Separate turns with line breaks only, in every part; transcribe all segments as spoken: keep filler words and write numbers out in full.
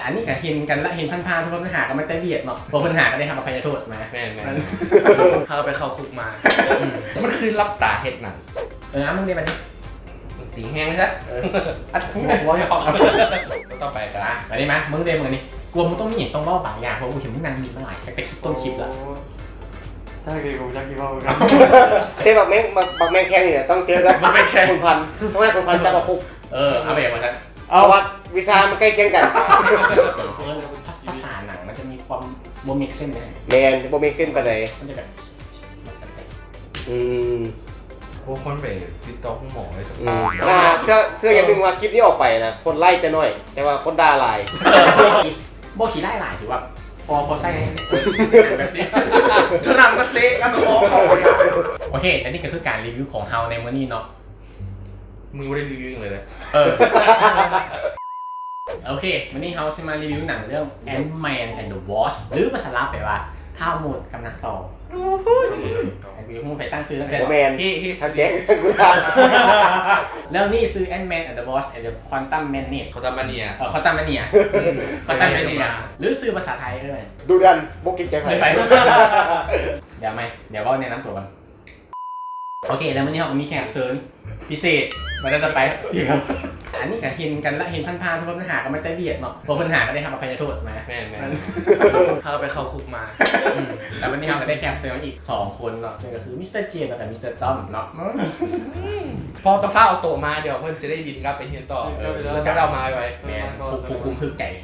อันนี้ก็เห็นกันละเห็นผ่านๆทุกคนปัญหาก็ไม่ได้เบียดเนาะพวกปัญหาก็ได้ทำอภัยโทษมา
แม่นๆเขาไปเข้าคุกมามันคือรับตาเห็ดหนัง
เออมึงเรียนไปดิ
ตีแห้งเลยซะ
อัดหัวหัวจะออกครับ
ต่อไปกันละ
ไปดิมามึงเรียนมึงนี่กลัวมึงต้องมีอย่างต้องเล่าบางอย่างเพราะกูเห็นมึงนั่งมีมาหลายแต่คลิปต้นคลิปแล้ว
ถ้าเกิดกูจะคิดว่ากัน
เทบักแมงบักแมงแข้งเนี่ยต้องเจอกับคุณพันต้องให้คุณพันจับมาคุก
เออเอาไปอย่างนั้น
เพราะว่าวิชามันใกล้เคียงกัน
ภาษาหนังมันจะมีความโมเมกเส้นไหม
แมนโมเมกเส้นไปไหน
มันจะแบบ
อืม
พวกคนไปติดต่อคุณหมอเลย
อืมอ่าเสื้อเสื้ออย่างหนึ่งว่าคลิปนี้ออกไปนะคนไล่จะน้อยแต่ว่าคนด่าหลาย
โบขี่ไล่หลายถือว่าพอพอใส่แบบนี้จะนำก็เตะกันคอโอเคอันนี้ก็คือการรีวิวของเฮาในมื้อนี้เนาะ
มึงไม่ได้รีวิวเลย
เออโอเควันนี้เฮาจะมารีวิวหนังเรื่อง Ant-Man and the Wasp หรือภาษาลาวแปลว่าท้าวหมดกำลังต่อวิวมึงไปตั้งซื้อตั้งแต่
แมน
ที่ที่
ทันแจ็ค
แล้วนี่ซื้อ Ant-Man and the Wasp and the Quantum Mania
เขาตามมาเนี่ย
เออเขาตามมาเนี่ยเขาตามมาเนี่ยหรือซื้อภาษาไทยเอ้ย
ดูดันบุกกิจใจไป
ไปเดี๋ยวไหมเดี๋ยวว่าแนะนำตัวกันโอเคแล้ววันนี้เรามีแขกเชิญพิเศษมาได้จะไปที่ครับอันนี้ก็เห็นกันละเห็นผ่านๆทุกคนปัญหาก็ไม่ได้เบียดเนาะพวกปัญหาก็ได้ทำอภัยโทษมา
แม่นๆเขาไปเข้าคุกมา
แต่วันนี้เราได้แขกเชิญอีกสองคนเนาะซึ่งก็คือมิสเตอร์เจมส์กับมิสเตอร์ต้อมเนาะ
พอตะฟ้าเอาโตมาเดี๋ยวเพื่อนจะได้บินกลับไปเฮียนต่อแล้วก็เรามาไว้
แม่ผู้คุมคือไก่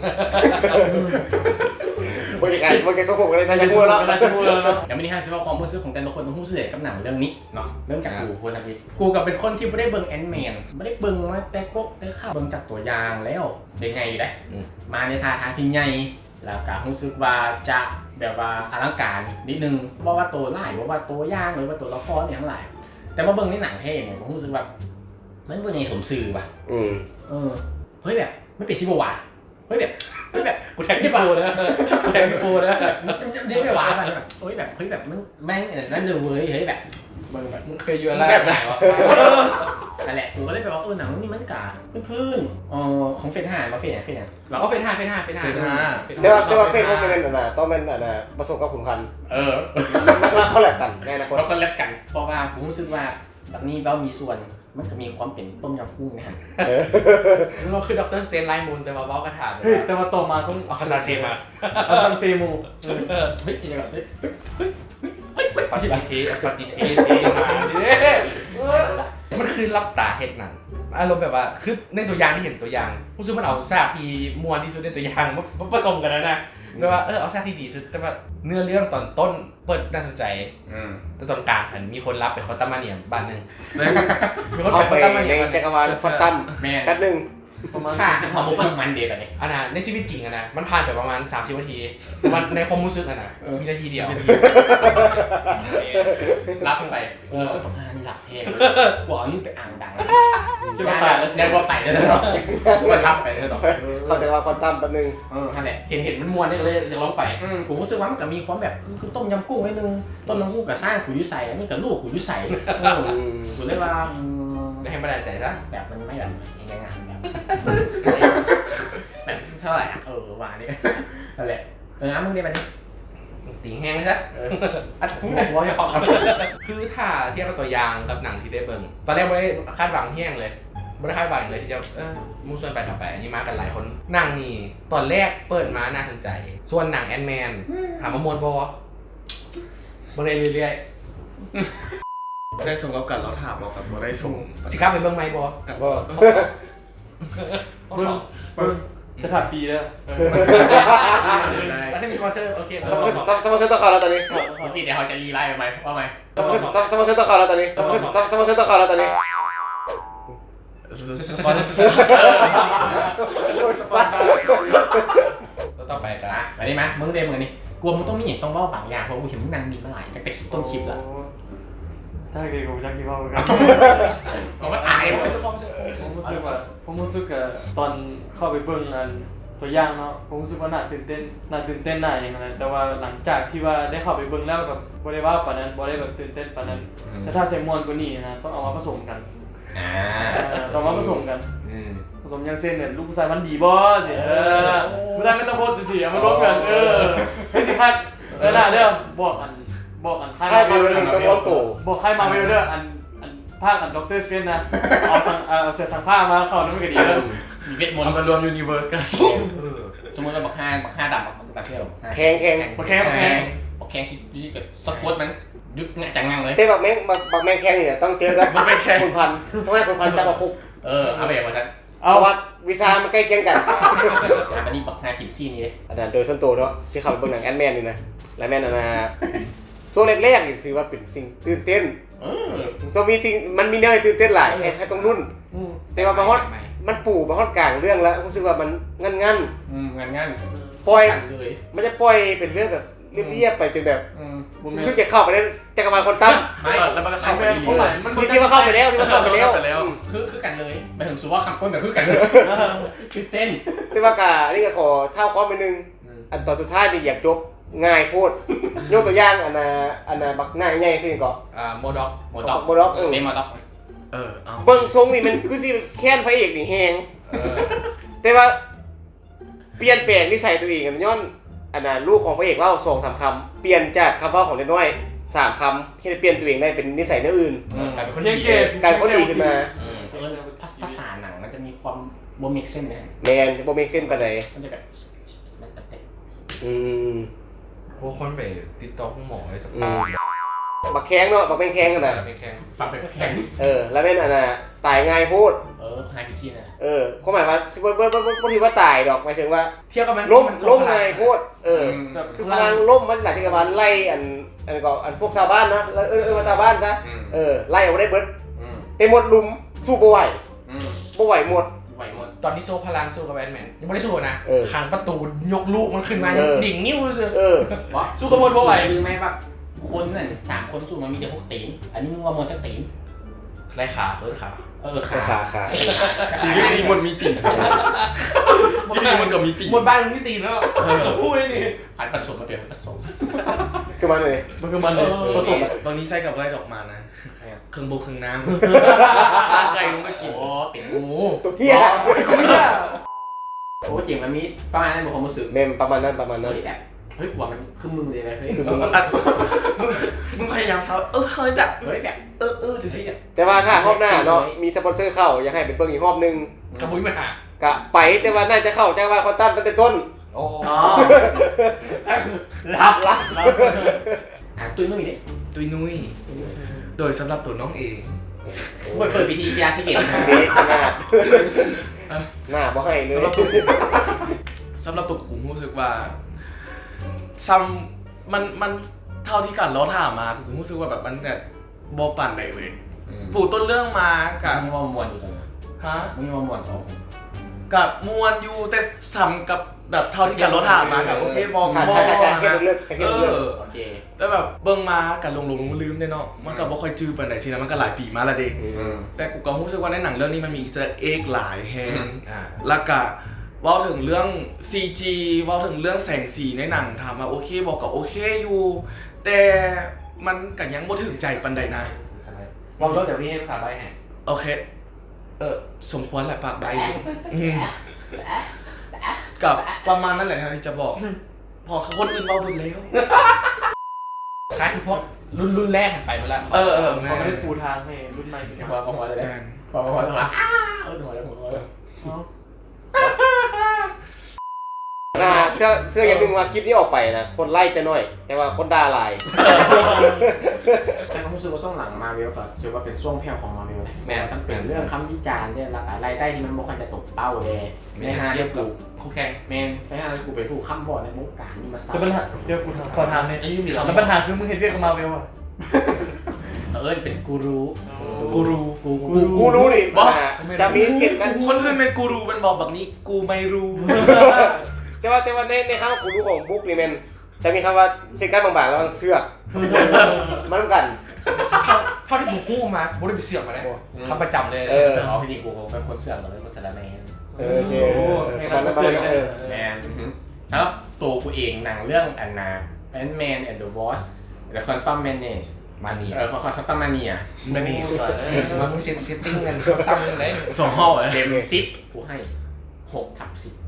บริการบริการส่งผมกันเลยนะยังพูดแล้ว
เดี๋ยววันนี้ฮะซิว่าความรู้สึกของแต่ละคนต้องรู้สึกกับหนังเรื่องนี้เนาะเรื่องจากกูคนนะพี่กูกับเป็นคนที่ไม่ได้เบิ่งแอนด์แมนไม่ได้เบิ่งมาแต่ก็ได้ข่าวเบิ่งจากตัวอย่างแล้วเป็นไงอยู่ได้มาในท่าทางที่ใหญ่แล้วก็รู้สึกว่าจะแบบว่าอลังการนิดนึงว่าว่าตัวไล่ว่าว่าตัวย่างหรือว่าตัวละครเนี่ยทั้งหลายแต่ว่าเบิ่งในหนังเท่เนี่ยผมรู้สึกว่ามันเป็นไงสมซื่อว่ะ
อืม
เออเฮ้ยแบบไม่เป็นซิบวะเฮ้ยแบบเฮ้ยแบบ
กูแทงที่ปูนะกูแทงที่ปูนะ
นี่ไม่หวานแบบเฮ้ยแบบเฮ้ยแบบมันแม่งนั่นเลยเว้ยเฮ้ยแบบมึงแบบ
มึงเคยอยู่อะไรแบบไหนวะ
นั่นแหละกูก็เลยแบบว่าเออหนังนี่มันกาพื้นๆอ๋อของเฟนห้ามาเฟนไหนเฟนไหน
เราก็เฟนห้าเฟนห้าเฟนห้า
แต่ว่าแต่ว่าเฟนเขาเป็นแบบน่ะต้องเป็นแบบน่ะผสมกับขุนพัน
เออ
มันเขาแลกกันแน่นะคน
เราคนแลกกันเพราะว่าผมรู้สึกว่าแบบนี้เรามีส่วนมันก็มีความเป็นต้มยำกุ้งนะฮะ
เราคือด็อกเตอร์สเตนไลน์มูนแต่ว่าเบ้ากระถาง
แต่ว่าโตมาต้อง
เอาคาซาเซมา
เอาทำเซมู
เฮ้ยยังไงเฮ้ยเฮ้ย
เฮ้ยปฏิเทสปฏิเทสเทมาดิมันคือรับตาเห็ดหนังอารมณ์แบบว่าคือในตัวอย่างที่เห็นตัวอย่างรู้สึกมันเอาซากที่มวนที่สุดในตัวอย่างมาผสมกันนะนะแปลว่าเออเอาซากที่ดีสุดแต่ว่าเนื้อเรื่องตอนต้นเปิดน่าสนใจแต่ตอนกลางมันมีคนรับไปคอตตามาเนียบ้านนึง
มีคนไปคอตตามาเนียจักรวาลคอตตัม
แม่
แป๊บนึง
ประมาณพอมุกมันเดียวกันเลย
อันน่ะในชีวิตจริงอะนะมันผ่านไปประมาณสามสิบนาทีมันในความรู้สึกอะนะมีนาทีเดียว
รับไปเออผมท่านี่หลับเท่กว่านี่ไปอ่างดังได้ได้ว่าไปได้แล้วเนาะก็รับไปเลยเนาะ
เขาจะว่าคอตตัมแป๊บนึง
เออท่านแหละ
เห็นเห็นมันมวนนี่เลยจะร้องไป
ผมรู้สึกว่ามันก็มีความแบบคือต้มยำกุ้งไว้นึงต้มยำกุ้งกับสร้างกุยุใส่อันนี้กับลูกกุยุใส่กูเลยว่า
ไม่ให้มาได้ใจซะ
แบบมันไม่แบบยังไงแบบแบบเท่าไหร่อ่ะเออวานี่นั่นแหละเออน้ำมึงเรียนไปดิ
ตีแห้งเลยซะ
อัดหัวหัวจะออก
คือถ้าเทียบกับตัวอย่างกับหนังที่ได้เบิ่งตอนแรกไม่ได้คาดหวังแห้งเลยไม่ได้คาดหวังเลยที่จะเออมุ่งส่วนไปต่อไปอันนี้มากันหลายคนหนังนี่ตอนแรกเปิดมาน่าสนใจส่วนหนังแอนด์แมนถามว่ามวนบ่บ่ได้เรื่อย
ๆได้ส่งกับกันแล้วถามบอกกับบ่ได้ส่ง
สิครับไปเบิ่งไหมบ่
กับบ่
เบิ่งเบิ่งจะถัดฟรีแล้ว
แล้วถ้ามีคอนเสิร์ตโอเค
สมอเซอร์ต้องเข้าแล้วตอนนี้
เมื่อกี้เดี๋ยวเขาจะรีไลน์ไปไหมว่าไหม
สมอเซอร์ต้องเข้าแล้วตอนนี้สมอเซอร์ต้องเข้าแล้วตอนนี้
ต่อไปกัน
นะไปได้ไหมมึงเรียนมึงนี่กลัวมึงต้องมีอย่างต้องเล่าบางอย่างเพราะกูเห็นมึงนั่งมีมาหลายแต่คลิปต้นคลิปแล้ว
ถ้าเกิดกูจะคิดว่ากัน
ผมว่าตายผมรู้สึกผม
รู้สึกว่าผมรู้สึกกับตอนเข้าไปเบิ่งอันตัวอย่างเนาะผมรู้สึกว่าน่าตื่นเต้นน่าตื่นเต้นน่าอย่างไรแต่ว่าหลังจากที่ว่าได้เข้าไปเบิ่งแล้วแบบบ่ได้ว่าปานนั้นบ่ได้แบบตื่นเต้นปานนั้นแต่ถ้าใส่มวนกว่านี้นะต้องเอามาผสมกัน
อ่า
ต้องมาผสมกันผสมอย่างเช่นเนี่ยลูกผู้ชายมันดีบ่สิเออได้ไม่ต้องโพสต์สิเอามาลบกันเออให้สิคัดเออน่ะเด้อบอกอันบอกอัน
ค่ายมาเวลต้องล้มตู่
บอกค่ายมาเวลเด้ออันอันภาคอันด็อกเตอร์สเวนนะเอาสังเอาเสียสังผ้ามาเข้านั่นมันก็ดีเด้อ
มีเวทมน
เอา
ต์
มารวมยูนิเวอร์สกัน
สมมติเราบักห้าบักห้าดำบักตาเที่ยว
แข็งแข็ง
บักแข้งบักแข้ง
บักแข้งที่กับสกอตมันยุดงะจังงังเลย
แต่บักแมงบักบักแมงแข็งเนี่ยต้องเจอกับ
มันเป็นแค่
คุณพันต้องให้คุณพันจับมาคุก
เออเอาไปอย่างว่าฉัน
เพ
เอา
ราะว่าวิชามันใกล้เคียงกัน
ถามอันนี้บักห้ากินซี่นี่เลย
อันนั้นโดยส่วนตัวเนาะที่เขาไปเบิ่งหนังแอนแมนนี่นะและแมนอันนะช่วงแรกๆนี่ถือว่าเป็นสิ่งตื่นเต้น
เออ
ต้องมีสิ่งมันมีแนวให้ตื่นเต้นหลายให้ให้ตรงรุ่น
อืม
แต่ว่าบางฮอดมันปู่บางฮอดกลางเรื่องแล้วรู้สึกว่ามันงันงัน
อืมงานงาน
ๆปล่อย
กันเลย
มันจะปล่อยเป็นเรื่องแบบเรียบๆไปจนแบบ
อืม
บุญแม่
รู้สึกจะเข้าไปในจักรวาลคนตั้ม
ไม่
แล้วมันก็เข้าไปดี
เท่าไหร่มัน
คิดที่ว่าเข้าไปแล้วที่ว่าเข้าไปแล้ว
เข้าไปแล้ว
อืม
คือคือกันเลยไปถึงสุว่าคำต้นแต่คือกันเลยคือเต้น
แต่ว่ากานี่ก็ขอเท่าความไปนึง อันตอนสุดท้ายนี่อยากจบง่ายโพดยกตัวอย่างอันน่ะอันน่ะบักหน้าใหญ่ที่นี่ก็
อ่าโมด็อก
หมดต็อก
โมด็อกเออ
เล่นหมดต็อก
เออเอา
เบิ่งทรงนี่มันคือสิแค้นพระเอกนี่แฮง
เออ
แต่ว่าเปลี่ยนแปลงนิสัยตัวเองกันย้อนอันน่ะลูกของพระเอกเล่าสองสามคำเปลี่ยนจากคำเว่าของเด็กน้อยสามคำที่จะเปลี่ยนตัวเองได้เป็นนิสัยแนวอื่น
อืมกลายเป็นคน
เลี้ยง
ดี
เกม
กลายเป็นคนดีขึ้นมา
อืมเออภาษภาษาหนังมันจะมีความโบมิกเส้นนะ
แมนบ่เมกเส้นปานใด
มันจะแบบ
อืม
พวกคนไปติดต่อคุณหมอเลยสัก
อืมบักแข้งเนาะบักเป็นแข้งกันน่ะ
ไม่แข็ง
ฟังไปก็แข็ง
เออแล้วเป็นอันน่ะตายง่ายโพด
เออไฮพิชชี่นะ
เออความหมายว่าบ่บ่บ่บ่บ่ถือว่าตายดอกหมายถึงว่า
เทียบกับมัน
ล้มล้มง่ายโพดเออ
แบบ
คือพลังล่มมันหลายจักรวาลไล่อันอันก็อันพวกชาวบ้านนะเออเออเออมาชาวบ้านซะ
อืม
เออไล่เอาได้เบิด
อืม
แต่หมดลุมสู้บ่ไหว
อืม
บ่ไหวหมด
ไหวหมด
ตอนที่โซ่พลังสู้กับแบทแมนยังไม่ได้สู้นะ
เออ
ขังประตูยกลูกมันขึ้นมา
เออ
ดิ่งนิ้วเลย
เออ
วะ
สู้กับมดบ่ไหว
ลืมไหมว่าคนนั่นสามคนสู้มันมีแต่พวกตีนอันนี้มึงว่ามนจะตีน
ไรขาเคิร์ดขา
เออขา
ขาขา
มีมนมีตีมีมนกับมีตีมนบ้านมึงมีตีแล้วพูดได้ดิ
พันผสมมาเป็นผสม
คือมันเลย
มันคือมันเลยผสม
บางทีใส่กับอะไรดอกมานะเครื่องโบเครื่องน้ำลากไก่ลงไปกิน
โอ้เป็นงู
ตัวเหี้ย
โอ้จริงมันมีประมาณนั้นบอกความรู้สึก
เมมประมาณนั้นประมาณนั้น
เฮ้ยแบบเฮ้ยหัวมันคือมึงเลยนะเฮ้ย
คือมึง
มึงมึงพยายามเซาเออเฮ้ยแบบ
เฮ้ยแบบ
เออเออจะสิ
แต่ว่าถ้ารอบหน้าเนาะมีสปอนเซอร์เข้าอยากให้เป็นเบิ่งอีกรอบนึง
กระบุยมันหาก
ะไปแต่ว่าน่าจะเข้าจักรวาลคอนตัมตั้งแต่ต้น
โอ้
อ๋อใช่คือรับรับอ่ะตุ้ยนุ่ยดิ
ตุยนุ้ยโดยสำหรับตัวน้องเอง
เปิดเปิดพิธียาสิเกต
เด็กขนาดหน้าบ่ให้เลย
สำหรับตัวสำหรับตัวกูรู้สึกว่าซัมมันมันเท่าที่กันเราถามมากูรู้สึกว่าแบบมันแบบบอปั่นไหนเลยปลูกต้นเรื่องมากับ
มึงว่ามวนอยู่ตรงนั้น
ฮะ
มึงว่ามวนของ
กับมวนอยู่แต่ซ้ำกับแบบเท่าที่กันเราถามมากับโอเคบอ
ขาด
บอ
ขาดขาดแค่
นะ
เลือกแค่
เอ
เลือก
อ
โอเค
แต่แบบเบิ่งมากันลงลงลืมๆเนี่ยเนาะมันก็บ่ค่อยจื้อปานใดสินะมันก็หลายปีมาและเด็ก
อืม
แต่กูก็รู้สึกว่าในหนังเรื่องนี้มันมีอีสเตอร์เอ็กหลายแฮง
อ่า
แล้วก็เว้าถึงเรื่อง ซี จี เว้าถึงเรื่องแสงสีในหนังถามว่าโอเคบอกก็โอเคอยู่ แต่มันก็ยังบ่ถึงใจปานใดนะ
วางรถเดี๋ยวพี่ให้ภาษาใบให้
โอเค เออสมควรแหละปากใบอืมกับประมาณนั้นแหละนะที่จะบอก พอคนอื่นเว้าเบิดแล้ว
คล้ายคือพวกรุ่นรุ่นแรกไปมาแล้ว
เออเออ
เขาไม่ได้ปูทางให้รุ่นใหม่
พอพอพอเลย
แมน
พอพอพอพออ้าเออหัวเลยหัวเลย
อ่าเสื้อเสื้ออย่างหนึงว่าคลิปนี้ออกไปนะคนไล่จะน้อย แต่ว่าคนด่าหลาย
ใช่ผมรู้สึกว่าช่วงหลังมาเวลก็ถือว่าเป็นช่วงแผ่วของมาเวลแม้ทั้งเป็นเรื่องคำวิจารณ์เนี่ยราคารายได้ที่มันไม่ค่อยจะตกเป้าเลยในฮาเดียวกู
คู่แข่ง
แมนใช่ฮาเดียวกูเป็นผู้ค้ำบอดในวงการนี่มาซั
แต่ปัญหาเดี๋ยวกูขอถามเนี่ยแล้วปัญหาคือมึงเห็นเรียกกับมาเวลอ่ะ
เออเป็นกูรู
กูรู
กู
กูกูรู้นี่
บอส
อ่าจะมีเขียนกัน
คนอื่นเป็นกูรูเป็นบอกแบบนี้กูไม่รู้
แต่ว่าแต่ว่าในในคำว่ากูรู้ของบุ๊กนี่แมันจะมีคำว่าเขียนกันบางๆแล้วมันเสื้อกมันเหมือนกัน
เท่าที่ผมพูดมาผมได้ไปเสือกมาแล้วทำประจำเลย
เออ
จะเอาพี่ดีกูคงเป็นคนเสื่อมหรือเป็นคนสารแมน
เออเจอประมาณนั้นประมาณนั้นเออ
แมนสำหรับตัวกูเองหนังเรื่องอันนาแอนแมนแอนด์เดอะวอสและคอนตัมแมนเนส
มาเนีย
เออคอนตัมมาเนีย
มาเนีย
สมมติมึงเซ็ตติ้งกันตั้งยังไง
สองห้องเลย
เต็มสิบกูให้หกทับสิบ
โ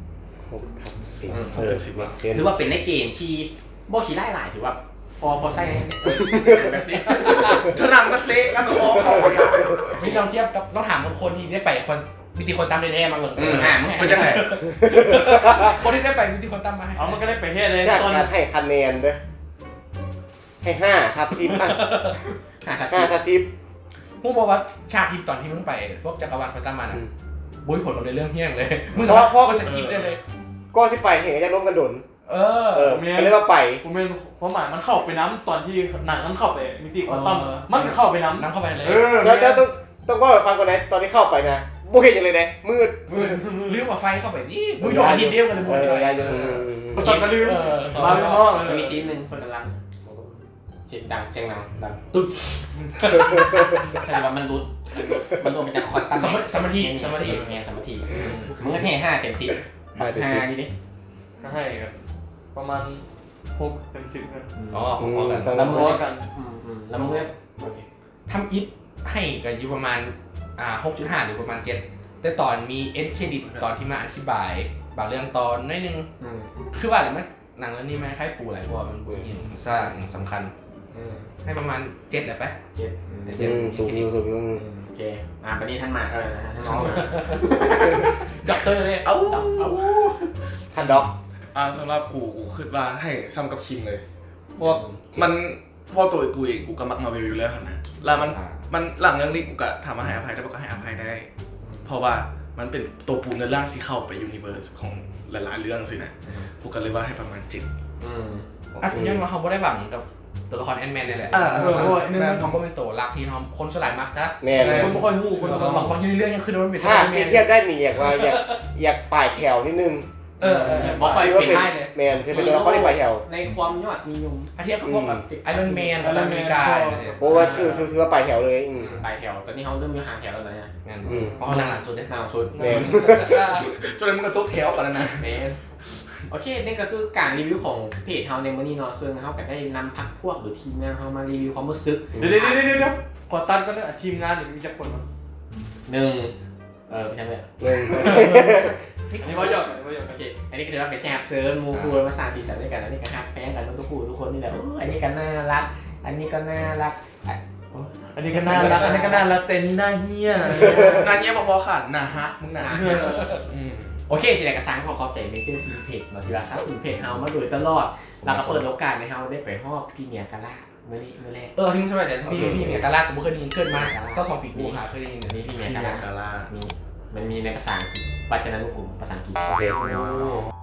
หกทับสิบ
อืม
เออmake sense
ถือว่าเป็นในเกณฑ์ที่บ่ขี้ไล่หลายถือว่าพอพอใส่ในแบบนี้เธอนำก็เตะกันคอเขา
นี่ลองเทียบกับลองถามคนที่ได้ไปคนมีตีคนตามได้แท้มาเบิ่ง
อืมอ่ามึง
คนจังไหนคนที่ได้ไปมีตีคนตามมาให้
เอามันก็ได้ไปเฮ็ดเลย
จาก
ตอน
การให้คะแนนเด้อให้ห้าทับสิบอ่ะ
ห้าทับ
ห้า
สิบ
ทับสิบ
มึงบอกว่าฉากที่ตอนที่มึงไปพวกจักรวาลคนตามมาน่ะบุ้ยผลเราในเรื่องเฮี้ยงเลยมึงสามารถก็สกิปได้เลย
ก็สิไปเห็นก็จะร่วมกันดน
เอ
เอ
อ
อก็เลยว่าไป
ผมเป็นความหมายมันเข้าไปน้ำตอนที่หนังมันเข้าไปมิติควอนตัม
เออ
มันก็เข้าไปน้ำ
น้ำเข้าไปเลย
เออ
แล้วจะต้องต้องว่าฟังก่อนนะตอนที่เข้าไปนะบ่เห็นอย่างเลยนะมืด
มือลืมเอาไฟเข้าไปนี่มึงโดนอาทิตย์เดียวกันเลยมึง
เอ
ใช่
อยายอยู่
ประสบการณ์ลืม
เออ
มาเป็นห้องเล
มัน
ย
มีซีนหนึ่งคนกำลังเสียงดังเสียงดังดังตึ๊ดใช่ว่ามันรุดมันรวมเป็นแต่คอร์ดตั้ง
สมาสมาธิสมาธิ
งานสมาธิมึงก็ให้ห้าเต็มสิบ
ห้าเต็มสิบ
ห้านี่ดิ
ก็ให้กันประมาณหกเต็มสิบกัน
อ๋อพอๆกัน
อืม
แล้วมันร้อกัน
อืมอืมแล้วมึงก็โอเค
ทำอิฟให้กันอยู่ประมาณอ่า หกจุดห้า หรือประมาณเจ็ดแต่ตอนมีเอ็นเครดิตตอนที่มาอธิบายบางเรื่องตอนน้อยนึง
อืม
คือว่าอะไรมันหนังเรื่องนี้มันคล้ายปูหลายเพราะว่ามันปูหินสร้างสำคัญ
อืม
ให้ประมาณเจ็ดแหละปะ
เจ็ดอืม
เจ็ด
อืมสูงอยู่สูงอยู่
อืมโอเคอ่าปนี้ท่านมาเออท่านน้องมา
ด็อกเตอร์เลย
เอ้าเอ้า
ท่านด็อก
อ่าสำหรับกูกูคิดว่าให้ซ้ำกับคิมเลยเพราะว่ามันเพราะตัวกูเองกูก็มักมาวิวอยู่แล้วนะแล้วมันมันหลังเรื่องนี้กูก็ถามว่าให้อภัยแต่ก็ให้อภัยได้ เพราะว่ามันเป็นตัวปูเนื้อร่างที่เข้าไปยูนิเวอร์สของหลายๆเรื่องสินะกูก็เลยว่าให้ประมาณเจ็ด
อืม
อ่ะย้อนมาเขาไม่ได้หวังกับตัวละครแอนด์แมนนี่แหละ
อ่า
เออเพราะว่าหนึ่งเขาก็เป็นตัวรักที่ทำคนสลายมักนะ
แม่เลย
คนไม่ค่อยหู้คน
ตัวบางคนอยู่ในเรื่องยังขึ้นว่ามันเป็น
ถ้าเทียบเทียบได้นี่อยากว่าอยากอยากป่ายแถวนิดนึง
เออเออ
บ่ค่อย
ว่า
เป็น
เป็น
ได้เลย
แมนคือเป็นตัวเขาได้ป่ายแถว
ในความยอดนิยม
ถ้าเทียบกับพวกแบบไอรอนแมนอเมริกาเนี่ย
เพราะว่าคือคือคือว่าป่ายแถวเลยอืม
ปลายแถวตอนนี้เขาเริ่มมีห่างแถวแล้วนะเนี่ย
งั้น
อืม
เพราะเขาหนังหลังสุดเนี่ย
นาวสุด
แมน
จนเลยมึงก็ตุ๊กแถวกันแล้วนะ
เมนโอเคนี่ก็คือการรีวิวของเพจเฮาในมื้อนี้เนาะซึ่งเฮาก็ได้นำพักพวกหรือทีมงานเฮามารีวิวความรู้สึก
เดี๋ยวเดี๋ยวเดี๋ยวเดี๋ยวขอตัดก็ได้ทีมงานเนี่ยมีจักคนมั้ง
หนึ่งเออไม่ใช่เลย
หนึ่ง
อันนี้ว่าหยอกกันว่าหยอก
โอ
กัน
เคอันนี้ก็ถือว่าเป็นแค่ฮับเซิร์ฟมูคูมาสร้างสีสันด้วยกันอันนี้ก็ฮับแพงกันทุกคู่ทุกคนนี่แหละโอ้อันนี้ก็น่ารัก อันนี้ก็น่ารักอ่ะโอ้
อันนี้ก็น่ารักอันนี้ก็น่ารักแต่นี่น่าเหี้ย
งานเนี้ยพอๆค่ะหนาฮักมึงหนาอืม
โอเคทีแรกกระซังขอขอบใจเมเจอร์ซีเพจมาที่ว่าซับสูนเพจเฮามาโดยตลอดแล้วก็เปิดโอกาสให้เฮาได้ไปฮอบพี่เมียกาล่าเมื่อนี้เมื่อแรก
เออที่มึงสบายใจพี่พี่เนี่ยกาลาดกูไม่เคยได้ยินเกิดมาสักสองปีกูหาเคยได้ยินเนี่ย
นี่พี่เมีย
ที่
กา
เมีย
ล่าก
าลา
มีมันมีในภาษาอังกฤษปัจจุบันกลุ่มภาษาอังกฤษ
โอเค